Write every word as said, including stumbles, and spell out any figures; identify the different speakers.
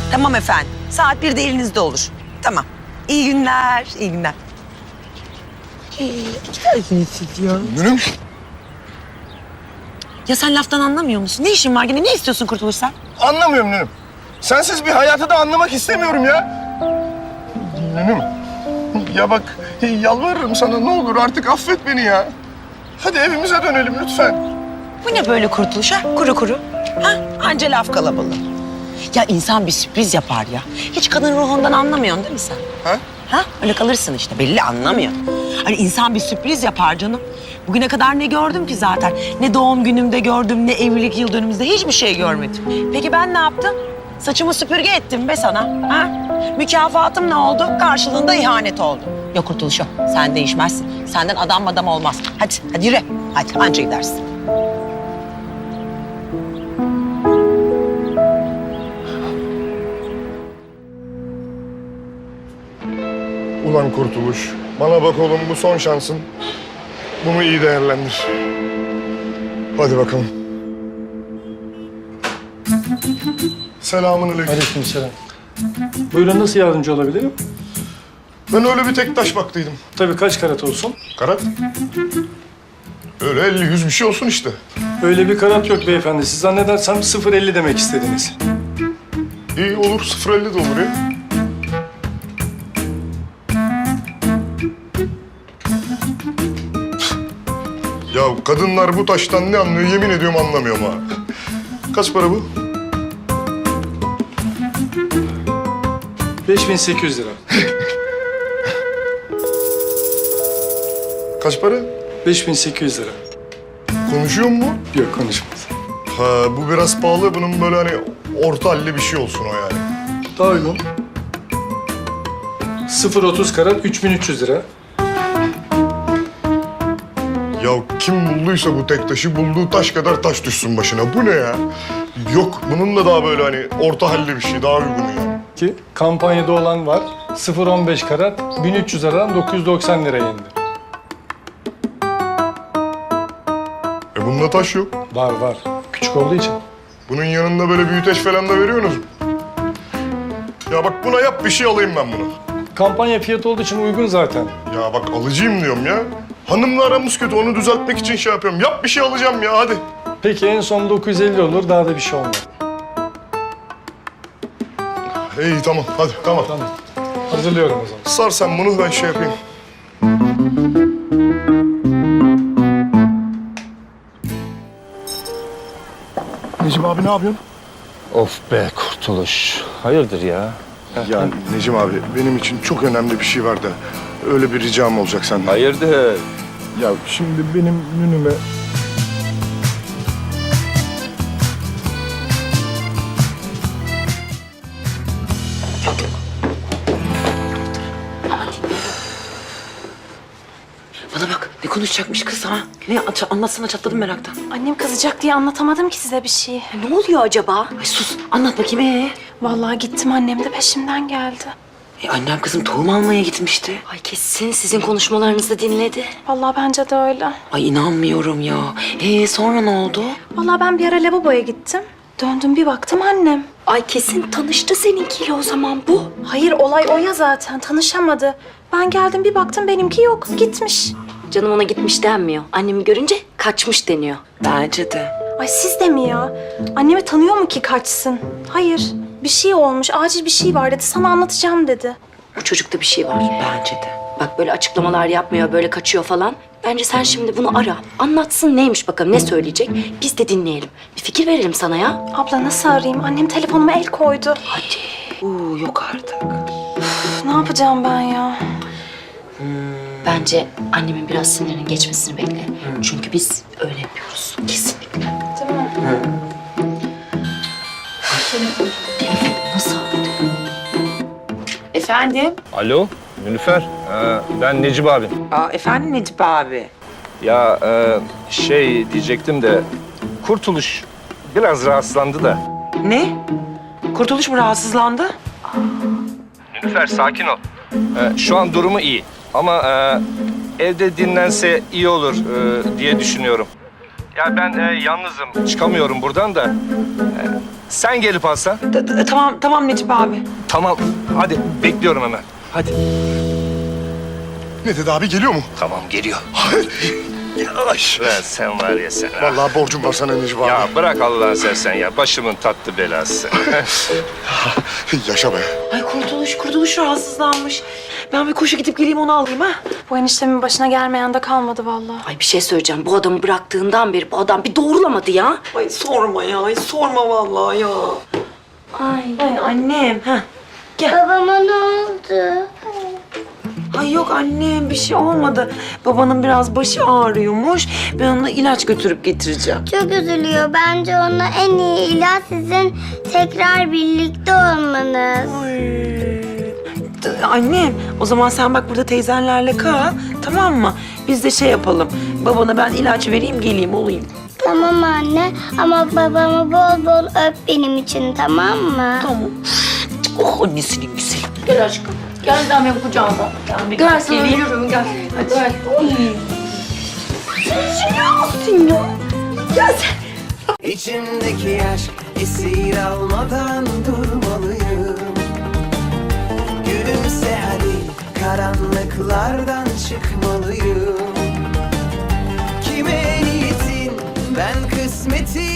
Speaker 1: Tamam efendim. Saat birde elinizde olur. Tamam. İyi günler, iyi günler.
Speaker 2: Dünüm.
Speaker 1: Ya sen laftan anlamıyor musun? Ne işin var gene? Ne istiyorsun Kurtuluş sen?
Speaker 2: Anlamıyorum Dünüm. Sensiz bir hayatı da anlamak istemiyorum ya. Dünüm. Ya bak yalvarırım sana ne olur artık affet beni ya. Hadi evimize dönelim lütfen.
Speaker 1: Bu ne böyle Kurtuluş ha? Kuru kuru. Ha? Anca laf kalabalığı. Ya insan bir sürpriz yapar ya. Hiç kadın ruhundan anlamıyorsun değil mi sen?
Speaker 2: Ha?
Speaker 1: Ha? Öyle kalırsın işte. Belli anlamıyor. Hani insan bir sürpriz yapar canım. Bugüne kadar ne gördüm ki zaten? Ne doğum günümde gördüm, ne evlilik yıl dönümümüzde hiçbir şey görmedim. Peki ben ne yaptım? Saçımı süpürge ettim be sana. Ha? Mükafatım ne oldu? Karşılığında ihanet oldu. Yok Kurtuluş yok. Sen değişmezsin. Senden adam adam olmaz. Hadi, hadi yürü. Hadi anca gidersin.
Speaker 2: Ulan Kurtuluş. Bana bak oğlum bu son şansın. Bunu iyi değerlendir. Hadi bakalım. Selamünaleyküm.
Speaker 3: Aleykümselam. Buyurun, nasıl yardımcı olabilirim?
Speaker 2: Ben öyle bir tek taş baktıydım.
Speaker 3: Tabii, kaç karat olsun?
Speaker 2: Karat? Öyle elli yüz bir şey olsun işte.
Speaker 3: Öyle bir karat yok beyefendi. Siz zannedersem sıfır elli demek istediniz.
Speaker 2: İyi olur, sıfır elli de olur ya. Ya kadınlar bu taştan ne anlıyor yemin ediyorum anlamıyorum ha. Kaç para bu?
Speaker 3: beş bin sekiz yüz lira.
Speaker 2: Kaç para?
Speaker 3: beş bin sekiz yüz lira.
Speaker 2: Konuşuyor mu?
Speaker 3: Yok, konuşmaz.
Speaker 2: Ha bu biraz pahalı. Bunun böyle hani orta halli bir şey olsun o yani.
Speaker 3: Daha uygun. sıfır otuz karat üç bin üç yüz lira.
Speaker 2: Ya kim bulduysa bu tek taşı bulduğu taş kadar taş düşsün başına. Bu ne ya? Yok bunun da daha böyle hani orta halli bir şey daha uygun yani.
Speaker 3: Ki kampanyada olan var. sıfır on beş karat bin üç yüz liradan dokuz yüz doksan liraya indi.
Speaker 2: E bunda taş yok.
Speaker 3: Var var. Küçük olduğu için.
Speaker 2: Bunun yanında böyle büyüteç falan da veriyorsunuz mu? Ya bak buna yap bir şey alayım ben bunu.
Speaker 3: Kampanya fiyatı olduğu için uygun zaten.
Speaker 2: Ya bak alıcıyım diyorum ya. Hanımla aramız kötü onu düzeltmek için şey yapıyorum. Yap bir şey alacağım ya hadi.
Speaker 3: Peki en son dokuz yüz elli olur, daha da bir şey olmaz.
Speaker 2: İyi tamam hadi tamam.
Speaker 3: Tamam. Hazırlıyorum o zaman.
Speaker 2: Sar sen bunu ben şey yapayım. Necim abi ne yapıyorsun?
Speaker 4: Of be Kurtuluş. Hayırdır ya?
Speaker 2: Ya Necim abi benim için çok önemli bir şey var da öyle bir ricam olacak senden.
Speaker 4: Hayırdır?
Speaker 2: Ya şimdi benim Nünüme...
Speaker 1: Bana bak ne konuşacakmış kız ha? Ne aç- anlatsana çatladım meraktan.
Speaker 5: Annem kızacak diye anlatamadım ki size bir şey.
Speaker 1: Ne oluyor acaba? Ay sus anlat bakayım ee.
Speaker 5: Vallahi gittim, annem de peşimden geldi.
Speaker 1: E, annem kızım tohum almaya gitmişti.
Speaker 6: Ay kesin sizin konuşmalarınızı dinledi.
Speaker 5: Vallahi bence de öyle.
Speaker 1: Ay inanmıyorum ya. Ee sonra ne oldu?
Speaker 5: Vallahi ben bir ara lavaboya gittim. Döndüm bir baktım annem.
Speaker 6: Ay kesin tanıştı seninkiyle o zaman bu.
Speaker 5: Hayır, olay o ya zaten, tanışamadı. Ben geldim bir baktım benimki yok, gitmiş.
Speaker 6: Canım ona gitmiş denmiyor. Annemi görünce kaçmış deniyor.
Speaker 1: Bence de.
Speaker 5: Ay siz de mi ya? Annemi tanıyor mu ki kaçsın? Hayır, bir şey olmuş, acil bir şey var dedi. Sana anlatacağım dedi.
Speaker 6: Bu çocukta bir şey var.
Speaker 1: Bence de.
Speaker 6: Bak böyle açıklamalar yapmıyor, böyle kaçıyor falan. Bence sen şimdi bunu ara. Anlatsın neymiş bakalım, ne söyleyecek. Biz de dinleyelim. Bir fikir verelim sana ya.
Speaker 5: Abla nasıl arayayım? Annem telefonuma el koydu.
Speaker 1: Oo yok artık.
Speaker 5: Üf, ne yapacağım ben ya?
Speaker 6: Bence annemin biraz sinirinin geçmesini bekle. Çünkü biz öyle yapıyoruz. Kesinlikle.
Speaker 5: Değil mi?
Speaker 6: Nasıl aldı?
Speaker 1: Efendim?
Speaker 4: Alo Nilüfer. Ee, ben Necip abim.
Speaker 1: Aa, efendim Necip abi.
Speaker 4: Ya e, şey diyecektim de Kurtuluş biraz rahatsızlandı da.
Speaker 1: Ne? Kurtuluş mu rahatsızlandı?
Speaker 4: Nilüfer sakin ol. Ee, şu an durumu iyi ama e, evde dinlense iyi olur e, diye düşünüyorum. Ya ben e, yalnızım, çıkamıyorum buradan da. E, Sen gelip alsan.
Speaker 1: D- d- tamam tamam Necip abi.
Speaker 4: Tamam. Hadi bekliyorum hemen. Hadi.
Speaker 2: Ne dedi abi, geliyor mu?
Speaker 4: Tamam geliyor.
Speaker 2: Yavaş.
Speaker 4: Lan sen var ya sen.
Speaker 2: Vallahi borcum var sana Necip abi.
Speaker 4: Ya bırak Allah'ını seversen ya. Başımın tatlı belası.
Speaker 2: Yaşa be.
Speaker 1: Ay kurtuluş kurtuluş rahatsızlanmış. Ben bir koşu gidip geleyim onu alayım ha.
Speaker 5: Bu eniştemin başına gelmeyen de kalmadı vallahi.
Speaker 6: Ay bir şey söyleyeceğim. Bu adamı bıraktığından beri bu adam bir doğrulamadı ya.
Speaker 1: Ay sorma ya, ay sorma vallahi ya.
Speaker 6: Ay.
Speaker 1: Ay annem, ha.
Speaker 7: Babama ne oldu?
Speaker 1: Ay yok annem bir şey olmadı. Babanın biraz başı ağrıyormuş. Ben ona ilaç götürüp getireceğim.
Speaker 7: Çok üzülüyor. Bence ona en iyi ilaç sizin tekrar birlikte olmanız.
Speaker 1: D- Annem o zaman sen bak burada teyzenlerle kal, tamam mı? Biz de şey yapalım. Babana ben ilaç vereyim geleyim olayım.
Speaker 7: Tamam anne ama babamı bol bol öp benim için, tamam mı?
Speaker 1: Tamam. Oh annesinin güzeli.
Speaker 6: Gel aşkım. Gel ben benim kucağıma.
Speaker 1: Ben bir
Speaker 6: Gel sana
Speaker 1: geleyim.
Speaker 6: ölürüm gel. Hadi. Gel.
Speaker 8: İçimdeki aşk esir almadan durmalıyım. Gülümse hadi, karanlıklardan çıkmalıyım. Kime niyetin, ben kısmetin